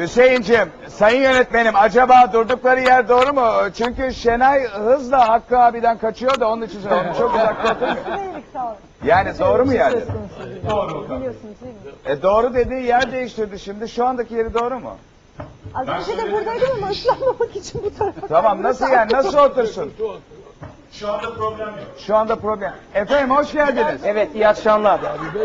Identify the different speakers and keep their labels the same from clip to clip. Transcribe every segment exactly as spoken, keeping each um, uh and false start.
Speaker 1: Hüseyin'cim, sayın yönetmenim, acaba durdukları yer doğru mu? Çünkü Şenay hızla Hakkı abiden kaçıyor da onun için söylüyorum. Çok uzakta oturmuyor. Yani doğru mu yani?
Speaker 2: Doğru. Biliyorsunuz değil mi?
Speaker 1: E doğru dediği yer değiştirdi şimdi. Şu andaki yeri doğru mu?
Speaker 2: Az önce de buradaydım ama ıslanmamak için bu tarafa.
Speaker 1: Tamam, nasıl yani? Nasıl otursun?
Speaker 3: Şu anda problem yok.
Speaker 1: Şu anda problem. Efendim hoş geldiniz.
Speaker 4: Evet, iyi akşamlar.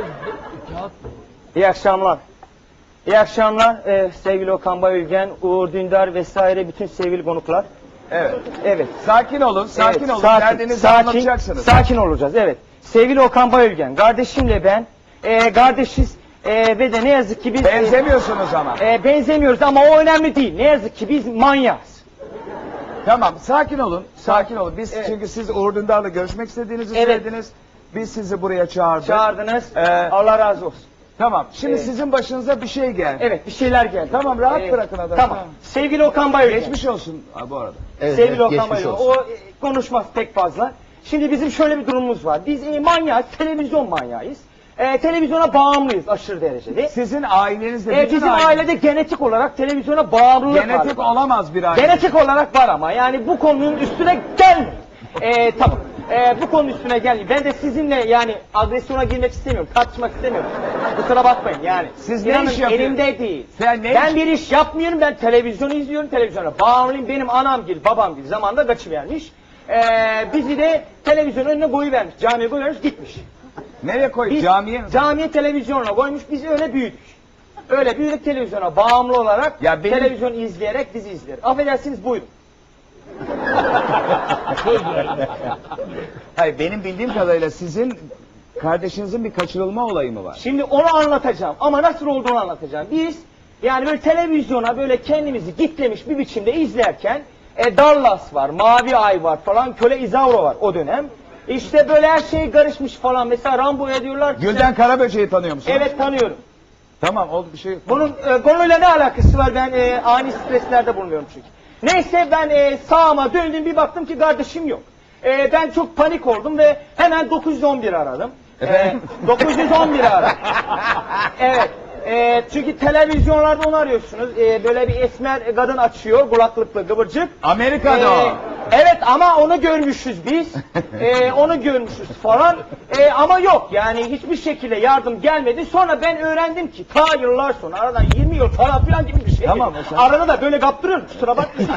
Speaker 4: İyi akşamlar. İyi akşamlar ee, sevgili Okan Bayülgen, Uğur Dündar vesaire bütün sevgili konuklar.
Speaker 1: Evet.
Speaker 4: Evet.
Speaker 1: Sakin olun, sakin
Speaker 4: evet,
Speaker 1: olun.
Speaker 4: sakin,
Speaker 1: Derdinizi
Speaker 4: sakin,
Speaker 1: anlatacaksınız.
Speaker 4: Sakin olacağız, evet. Sevgili Okan Bayülgen, kardeşimle ben e, kardeşiz e, ve de ne yazık ki biz...
Speaker 1: Benzemiyorsunuz ama.
Speaker 4: E, benzemiyoruz ama o önemli değil. Ne yazık ki biz manyağız.
Speaker 1: Tamam, sakin olun, sakin olun. Biz
Speaker 4: Evet.
Speaker 1: çünkü siz Uğur Dündar'la görüşmek istediğinizi
Speaker 4: Evet.
Speaker 1: söylediniz. Biz sizi buraya çağırdık.
Speaker 4: Çağırdınız,
Speaker 1: Ee,
Speaker 4: Allah razı olsun.
Speaker 1: Tamam, şimdi
Speaker 4: Evet.
Speaker 1: sizin başınıza bir şey geldi.
Speaker 4: Evet, bir şeyler geldi.
Speaker 1: Tamam, rahat
Speaker 4: Evet.
Speaker 1: bırakın adamı.
Speaker 4: Tamam. Sevgili Okan Bayülgen.
Speaker 1: Geçmiş olsun ha, bu arada.
Speaker 5: Evet,
Speaker 4: Sevgili
Speaker 5: evet,
Speaker 4: Okan
Speaker 5: geçmiş
Speaker 4: Bayülgen,
Speaker 5: olsun.
Speaker 4: o e, konuşmaz pek fazla. Şimdi bizim şöyle bir durumumuz var. Biz e, manyağız, televizyon manyağıyız. E, televizyona bağımlıyız aşırı derecede.
Speaker 1: Sizin ailenizde...
Speaker 4: E,
Speaker 1: bütün
Speaker 4: bizim
Speaker 1: aile-
Speaker 4: ailede genetik olarak televizyona bağımlılık var.
Speaker 1: Genetik olamaz bir aile.
Speaker 4: Genetik olarak var ama yani bu konunun üstüne gelmeyin. E, tamam. E, bu konunun üstüne gelmeyin. Ben de sizinle yani agresyona girmek istemiyorum, tartışmak istemiyorum. Kusura bakmayın yani.
Speaker 1: Siz ne
Speaker 4: İnanın
Speaker 1: iş yapıyorsunuz?
Speaker 4: elimde değil.
Speaker 1: Sen ne
Speaker 4: ben
Speaker 1: iş-
Speaker 4: bir iş yapmıyorum, ben televizyonu izliyorum, televizyona bağımlıyım. Benim anam gibi, babam gibi zamanında kaçıvermiş. E, bizi de televizyonun önüne koyuvermiş, camiye koyuvermiş, gitmiş.
Speaker 1: Nereye koy?
Speaker 4: Biz
Speaker 1: Camiye mi?
Speaker 4: camiye televizyonla koymuş, bizi öyle büyüdük. Öyle büyüdük televizyona bağımlı olarak,
Speaker 1: Ya benim-
Speaker 4: televizyon izleyerek bizi izleriz. Affedersiniz, buyurun.
Speaker 1: Hayır, benim bildiğim kadarıyla sizin kardeşinizin bir kaçırılma olayı mı var?
Speaker 4: Şimdi onu anlatacağım ama nasıl olduğunu anlatacağım. Biz yani böyle televizyona böyle kendimizi gitlemiş bir biçimde izlerken e, Dallas var, Mavi Ay var falan, Köle İzavro var o dönem. İşte böyle her şey karışmış falan. Mesela Rambo'ya diyorlar ki...
Speaker 1: Gülden Karaböceği tanıyor musun?
Speaker 4: Evet, tanıyorum.
Speaker 1: Tamam, oldu bir şey yok.
Speaker 4: Bunun e, konuyla ne alakası var? Ben e, ani streslerde bulunuyorum çünkü. Neyse ben e, sağıma döndüm, bir baktım ki kardeşim yok. E, ben çok panik oldum ve hemen dokuz yüz on bir aradım. E, dokuz yüz on bir aradım. Evet. E, çünkü televizyonlarda onu arıyorsunuz. E, böyle bir esmer kadın açıyor, kulaklıklı kıvırcık.
Speaker 1: Amerika'da
Speaker 4: E,
Speaker 1: o.
Speaker 4: Evet ama onu görmüşüz biz. E, onu görmüşüz falan. E, ama yok yani hiçbir şekilde yardım gelmedi. Sonra ben öğrendim ki ta yıllar sonra, aradan yirmi yıl falan filan gibi bir şey.
Speaker 1: Tamam,
Speaker 4: geçti.
Speaker 1: sen-
Speaker 4: Arada da böyle kaptırıyorum, kusura bakmayın.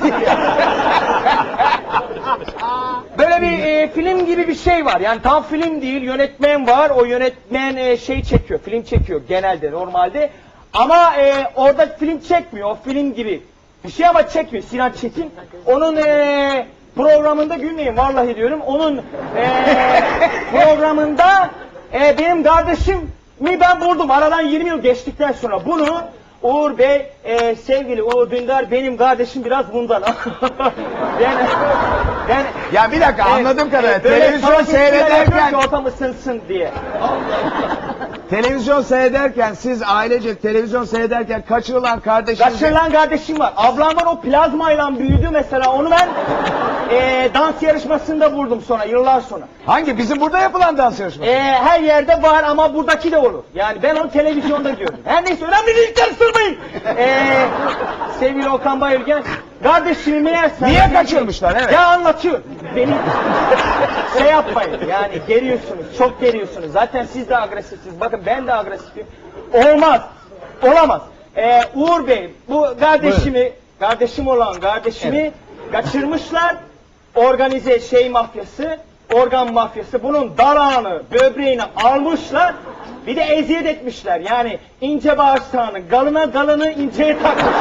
Speaker 4: Böyle bir e, film gibi bir şey var. Yani tam film değil, yönetmen var. O yönetmen e, şey çekiyor, film çekiyor genelde, normalde. Ama e, orada film çekmiyor, o film gibi bir şey ama çekmiyor. Sinan Çetin. Onun e, programında gülmeyin vallahi diyorum. Onun e, programında e, benim kardeşimi ben vurdum. Aradan yirmi yıl geçtikten sonra bunu Uğur Bey, e, sevgili Uğur Dündar, benim kardeşim biraz bundan. ben, ben,
Speaker 1: Ya bir dakika,
Speaker 4: Evet,
Speaker 1: anladığım kadarıyla
Speaker 4: evet, böyle
Speaker 1: televizyon
Speaker 4: savaş ilişkiler yapıyorum
Speaker 1: seyrederken
Speaker 4: ki ortam ısınsın diye.
Speaker 1: televizyon seyrederken siz ailece televizyon seyrederken kaçırılan kardeşiniz...
Speaker 4: Kaçırılan kardeşim var. Ablam var, o plazmayla büyüdü mesela. Onu ben e, dans yarışmasında vurdum sonra, yıllar sonra.
Speaker 1: Hangi? Bizim burada yapılan dans yarışması.
Speaker 4: E, her yerde var ama buradaki de olur. Yani ben onu televizyonda gördüm. Her neyse, önemli değil, karıştırmayın. E, sevgili Okan Bayülgen, kardeşimi meğerse...
Speaker 1: Niye kaçırmışlar? Evet.
Speaker 4: Ya anlatıyorum. Beni şey yapmayın yani, geriyorsunuz, çok geriyorsunuz. Zaten siz de agresifsiniz. Bakın ben de agresifim. Olmaz. Olamaz. Ee, Uğur Bey, bu kardeşimi, kardeşim olan kardeşimi kaçırmışlar. Organize şey mafyası, organ mafyası. Bunun dalağını, böbreğini almışlar. Bir de eziyet etmişler. Yani ince bağırsağını, galına galını inceye takmışlar.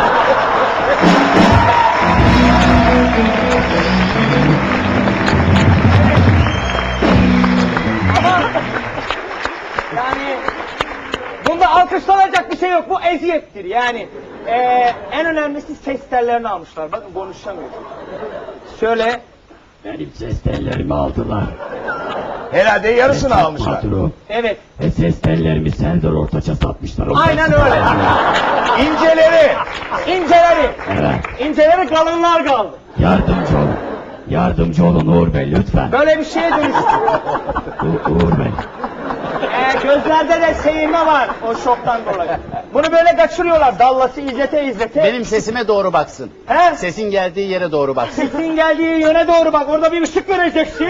Speaker 4: Yani bunda alkışlanacak bir şey yok. Bu eziyettir yani. Ee, en önemlisi ses tellerini almışlar. Bakın konuşamıyor. Şöyle.
Speaker 6: Benim ses tellerimi aldılar.
Speaker 1: Herhalde yarısını almışlar.
Speaker 6: Patron.
Speaker 4: Evet.
Speaker 6: Ve ses tellerimi Serdar Ortaç'a satmışlar. O
Speaker 4: Aynen
Speaker 6: ses
Speaker 4: öyle.
Speaker 6: tellerini.
Speaker 1: İnceleri.
Speaker 4: İnceleri.
Speaker 6: Evet.
Speaker 4: İnceleri kalınlar kaldı.
Speaker 6: Yardımcı olun. Yardımcı olun Uğur Bey lütfen.
Speaker 4: Böyle bir şeye dönüştü.
Speaker 6: U- Uğur Bey.
Speaker 4: Ee, gözlerde de seyirme var o şoktan dolayı. Bunu böyle kaçırıyorlar dallası izlete izlete.
Speaker 5: Benim sesime doğru baksın.
Speaker 4: He?
Speaker 5: Sesin geldiği yere doğru baksın.
Speaker 4: Sesin geldiği yöne doğru bak orada bir ışık vereceksin.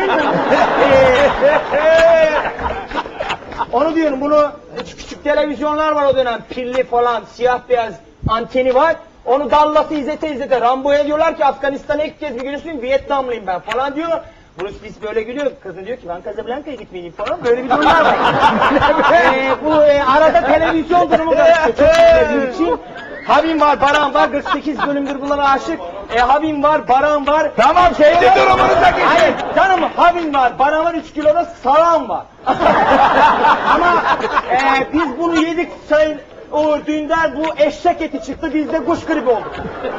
Speaker 4: Ee, Onu diyorum bunu küçük, küçük televizyonlar var o dönem pilli falan siyah beyaz anteni var. Onu dallası izlete izlete Rambo'ya diyorlar ki Afganistan'a ilk kez bir görürsün Vietnamlıyım ben falan diyor. Bruce Willis böyle gülüyor. Kızın diyor ki ben Casablanca'ya gitmeliyim falan. Böyle bir durumlar var. ee, bu e, arada televizyon durumu karışıyor. Çok izlediğim için. Habim var, Baran var. kırk sekiz bölümdür bunlara aşık. E, Habim var, Baran var.
Speaker 1: Tamam kendi durumunuza geçin.
Speaker 4: Hayır canım Habim var, Baran var. üç kiloda salam var. Ama e, biz bunu yedik sayın Uğur Dündar bu eşek eti çıktı. Biz de kuş gribi olduk.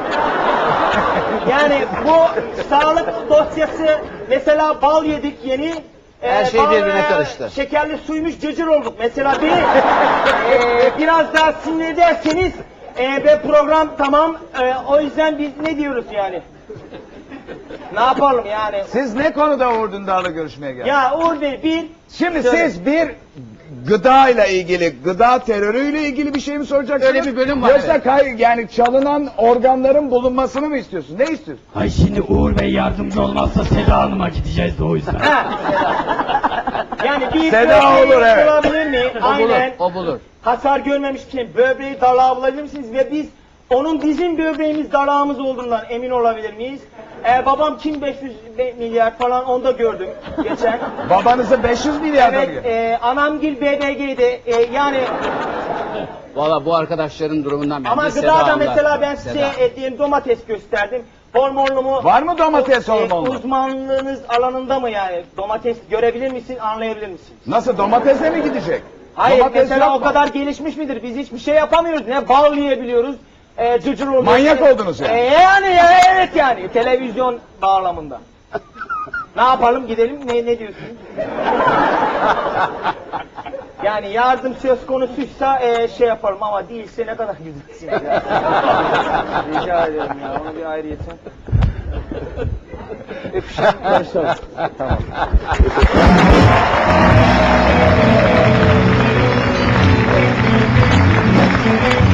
Speaker 4: Yani bu sağlık dosyası mesela bal yedik yeni.
Speaker 5: Her şey
Speaker 4: bal,
Speaker 5: birbirine
Speaker 4: e,
Speaker 5: karıştı.
Speaker 4: Şekerli suymuş cırcır olduk. Mesela beni e, biraz daha sinir ederseniz e, ve program tamam. E, o yüzden biz ne diyoruz yani? Ne yapalım yani?
Speaker 1: Siz ne konuda Uğur Dündar'la görüşmeye geldiniz?
Speaker 4: Ya Uğur Bey bir...
Speaker 1: Şimdi
Speaker 4: Söyle.
Speaker 1: siz bir gıdayla ilgili, gıda terörüyle ilgili bir şey mi soracaksınız?
Speaker 5: Öyle bir bölüm var,
Speaker 1: Yoksa
Speaker 5: evet.
Speaker 1: kay, yani çalınan organların bulunmasını mı istiyorsun? Ne istiyorsun?
Speaker 6: Ay şimdi Uğur Bey yardımcı olmazsa Seda Hanım'a gideceğiz de o yüzden.
Speaker 4: Ha. Yani bir
Speaker 1: Seda
Speaker 4: böbreği
Speaker 1: olur, evet.
Speaker 4: bulabilir mi?
Speaker 5: O bulur,
Speaker 4: Aynen.
Speaker 5: o bulur.
Speaker 4: Hasar görmemişken böbreği dalağı bulabilir misiniz? Ve biz onun bizim böbreğimiz dalağımız olduğundan emin olabilir miyiz? Ee, babam kim beş yüz milyar falan onu da gördüm geçen.
Speaker 1: Babanızı beş yüz milyar
Speaker 4: Evet,
Speaker 1: alıyor.
Speaker 4: e, anamgil B B G'de e, yani
Speaker 5: Valla bu arkadaşların durumundan bence
Speaker 4: ama
Speaker 5: Seda
Speaker 4: gıdada
Speaker 5: anlar.
Speaker 4: mesela ben size
Speaker 5: Seda.
Speaker 4: e, diyelim domates gösterdim. Hormonlu mu?
Speaker 1: Var mı domates
Speaker 4: E,
Speaker 1: hormonlu?
Speaker 4: Uzmanlığınız alanında mı yani? Domates görebilir misin, anlayabilir misin?
Speaker 1: Nasıl domatese mi gidecek?
Speaker 4: Hayır
Speaker 1: Domates
Speaker 4: mesela
Speaker 1: yok
Speaker 4: o
Speaker 1: mu?
Speaker 4: kadar gelişmiş midir? Biz hiçbir şey yapamıyoruz. Ne bal yiyebiliyoruz. E, cıcır oluyoruz.
Speaker 1: Manyak oldunuz yani.
Speaker 4: E, yani ya, evet yani televizyon bağlamında. Ne yapalım gidelim ne ne diyorsun? Yani yardım söz konusuysa e, şey yapalım ama değilse ne kadar güzelsiniz ya. Rica ederim ya onu bir ayrıyeten. Öpüşelim barışalım. Tamam.